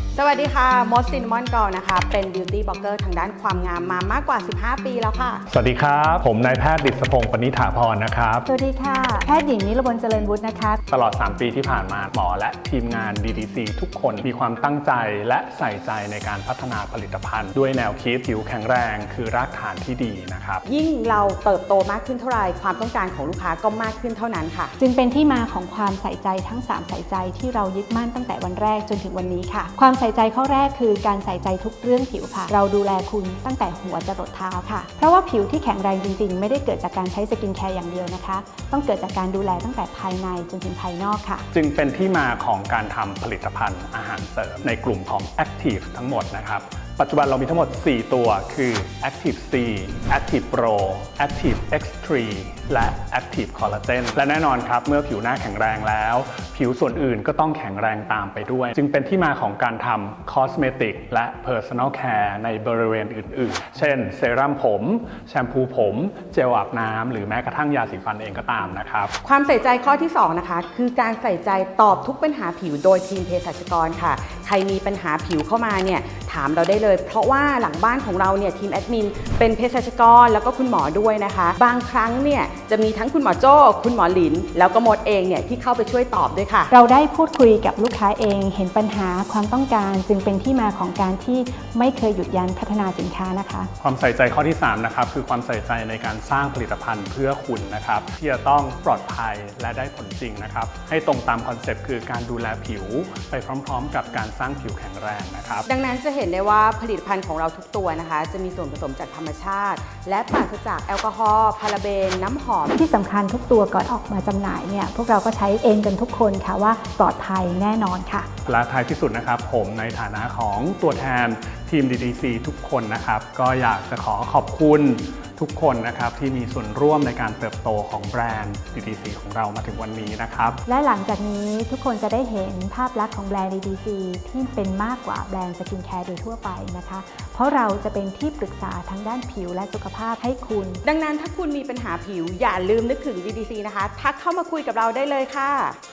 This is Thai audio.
สวัสดีค่ะมดซินมอนกอลนะคะเป็นบิวตี้บล็อกเกอร์ทางด้านความงามมามากกว่า15ปีแล้วค่ะสวัสดีครับผมนายแพทย์ดิษพงศ์ปณิถาพรนะครับสวัสดีค่ะแพทย์หญิงนิรบลเจริญวุฒินะคะตลอด3ปีที่ผ่านมาหมอและทีมงาน DDC ทุกคนมีความตั้งใจและใส่ใจในการพัฒนาผลิตภัณฑ์ ด้วยแนวคิดผิวแข็งแรงคือรากฐานที่ดีนะครับยิ่งเราเติบโตมากขึ้นเท่าไหร่ความต้องการของลูกค้าก็มากขึ้นเท่านั้นค่ะจึงเป็นที่มาของความใส่ใจทั้ง3ใส่ใจที่เรายึดมั่นตั้งแต่วันแรกจนถึงวันนี้ค่ะความใส่ใจข้อแรกคือการใส่ใจทุกเรื่องผิวค่ะเราดูแลคุณตั้งแต่หัวจรดเท้าค่ะเพราะว่าผิวที่แข็งแรงจริงๆไม่ได้เกิดจากการใช้สกินแคร์อย่างเดียวนะคะต้องเกิดจากการดูแลตั้งแต่ภายในจนถึงภายนอกค่ะจึงเป็นที่มาของการทำผลิตภัณฑ์อาหารเสริมในกลุ่มของ Active ทั้งหมดนะครับปัจจุบันเรามีทั้งหมด4ตัวคือ Active C Active Pro Active X3 และ Active Collagen และแน่นอนครับเมื่อผิวหน้าแข็งแรงแล้วผิวส่วนอื่นก็ต้องแข็งแรงตามไปด้วยจึงเป็นที่มาของการทำ Cosmetic และ Personal Care ในบริเวณอื่นๆเช่นเซรั่มผมแชมพูผมเจลอาบน้ำหรือแม้กระทั่งยาสีฟันเองก็ตามนะครับความใส่ใจข้อที่2นะคะคือการใส่ใจตอบทุกปัญหาผิวโดยทีมเภสัชกรค่ะใครมีปัญหาผิวเข้ามาเนี่ยถามเราได้เลยเพราะว่าหลังบ้านของเราเนี่ยทีมแอดมินเป็นเภสัชกรแล้วก็คุณหมอด้วยนะคะบางครั้งเนี่ยจะมีทั้งคุณหมอโจ้คุณหมอหลินแล้วก็มดเองเนี่ยที่เข้าไปช่วยตอบด้วยค่ะเราได้พูดคุยกับลูกค้าเองเห็นปัญหาความต้องการจึงเป็นที่มาของการที่ไม่เคยหยุดยั้งพัฒนาสินค้านะคะความใส่ใจข้อที่3นะครับคือความใส่ใจในการสร้างผลิตภัณฑ์เพื่อคุณนะครับที่จะต้องปลอดภัยและได้ผลจริงนะครับให้ตรงตามคอนเซปต์คือการดูแลผิวไปพร้อมๆกับการสร้างผิวแข็งแรงนะครับดังนั้นจะเห็นได้ว่าผลิตภัณฑ์ของเราทุกตัวนะคะจะมีส่วนผสมจากธรรมชาติและปราศจากแอลกอฮอล์พาราเบนน้ำหอมที่สำคัญทุกตัวก่อนออกมาจำหน่ายเนี่ยพวกเราก็ใช้เองกันทุกคนค่ะว่าปลอดภัยแน่นอนค่ะและท้ายที่สุดนะครับผมในฐานะของตัวแทนทีม DDC ทุกคนนะครับก็อยากจะขอบคุณทุกคนนะครับที่มีส่วนร่วมในการเติบโตของแบรนด์ DDC ของเรามาถึงวันนี้นะครับและหลังจากนี้ทุกคนจะได้เห็นภาพลักษณ์ของแบรนด์ DDC ที่เป็นมากกว่าแบรนด์สกินแคร์โดยทั่วไปนะคะเพราะเราจะเป็นที่ปรึกษาทั้งด้านผิวและสุขภาพให้คุณดังนั้นถ้าคุณมีปัญหาผิวอย่าลืมนึกถึง DDC นะคะทักเข้ามาคุยกับเราได้เลยค่ะ